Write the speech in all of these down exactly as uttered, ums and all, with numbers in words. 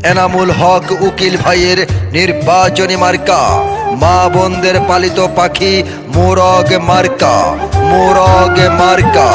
এনামুল হক উকিল ভাইয়ের নির্বাচনী মার্কা, মা বোনদের পালিত পাখি মোরগ মার্কা, মোরগ মার্কা।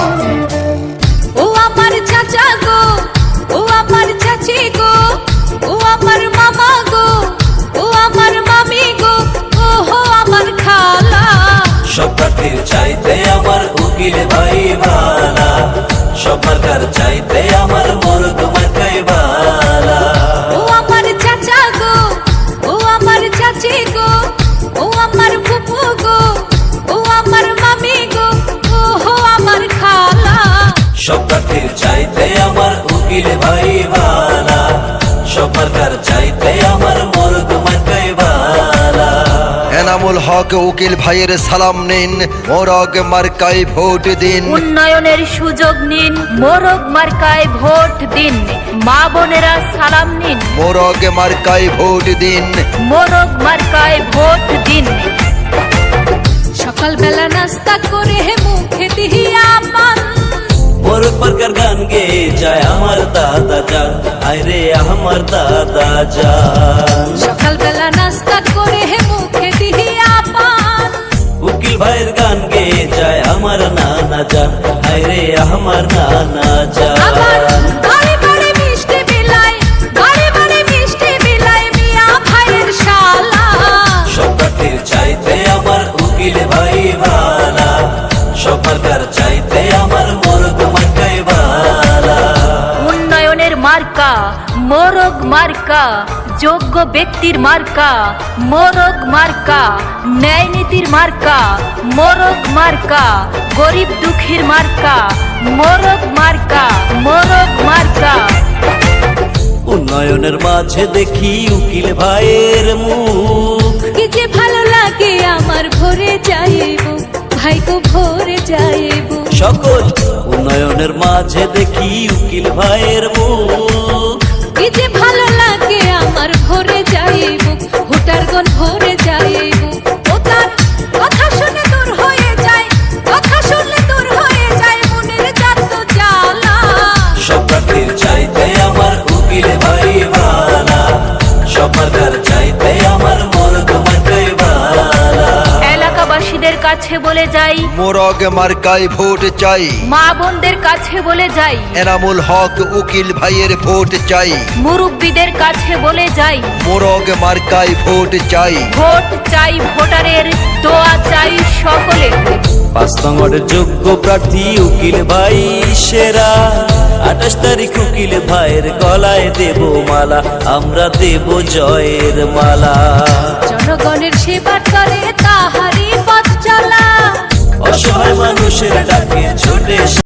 ও আমার চাচা গো, ও আমার চাচি গো, ও আমার মামা গো, ও আমার মামি গো, ও হো আমার খালা। সব প্রার্থীর চাইতে আমার উকিল ভাই ভালা, সব মার্কার চাইতে আমার মোরগ মার্কাই ভালা। ও আমার চাচা গো, ও আমার চাচি গো, ও আমার ফুফু গো, ও আমার মামি গো, ও হো আমার খালা। সব প্রার্থীর চাইতে আমার উকিল ভাই ভালা, সব মার্কার চাইতে আমার মোরগ মার্কাই ভালা। এনামুল হক উকিল ভাইয়ের সালাম নিন, মোরগ মার্কায় ভোট দিন। উন্নয়নের সুযোগ নিন, মোরগ মার্কায় ভোট দিন। মা বোনেরা সালাম নিন, মোরগ মার্কায় ভোট দিন। মোরগ মার্কায় ভোট দিন। সকালবেলা নাস্তা করে মুখে দিয়া পান, মোরগ মার্কার গান গেয়ে যায় আমার দাদা যান, আরে আমার দাদা যান। সকালবেলা নাস্তা করে মুখে দিয়া পান, উকিল ভাইয়ের গান গেয়ে যায় আমার নানা যান, আরে আমার নানা আবার যান। বাড়ি বাড়ি মিষ্টি বিলাই, বাড়ি বাড়ি মিষ্টি বিলাই মিয়া ভাইয়ের শালা। সব প্রার্থীর চাইতে আমার উকিল ভাই ভালা, সব মার্কার চাইতে আমার মোরগ মার্কাই ভালা। উন্নয়নের মার্কা মোরগ মার্কা, যোগ্য ব্যক্তির মার্কা মোরগ মার্কা, ন্যায় নীতির মার্কা মোরগ মার্কা, গরিব দুঃখীর মার্কা মোরগ মার্কা, মোরগ মার্কা। উন্নয়নের মাঝে দেখি উকিল ভাইয়ের মুখ, কি যে ভালো লাগে আমার ভরে যাইব, ভাই গো ভরে যাইব। সকল উন্নয়নের মাঝে দেখি উকিল ভাইয়ের মুখ। কি যে ভালো লাগে আমার ভরে যাইব, ভোটারগণ ভরে যাইব। ও তার কথা শুনে দূর হয়ে যায়, কথা শুনলে দূর হয়ে যায় মনের যত জ্বালা। সব প্রার্থীর চাইতে আমার উকিল ভাই ভালা, সব মার্কার চাইতে আমার মোরগ মার্কাই ভালা। এলাকাবাসীদের কাছে বলে যাই, মোরগ মার্কায় ভোট চাই। মা বোনদের কাছে বলে যাই, এনামুল হক উকিল ভাইয়ের ভোট চাই। মুরব্বীদের কাছে বলে যাই, মোরগ মার্কায় ভোট চাই। ভোট চাই ভোটারের, দোয়া চাই সকলের। পাঁচ নম্বরের যোগ্য প্রার্থী উকিল ভাই সেরা, আঠাশ তারিখ উকিল ভাইয়ের গলায় দেব মালা, আমরা দেব জয়ের মালা। জনগণের সেবা করে তাহারি পথ চলা, অসহায় মানুষের ডাকে ছুটে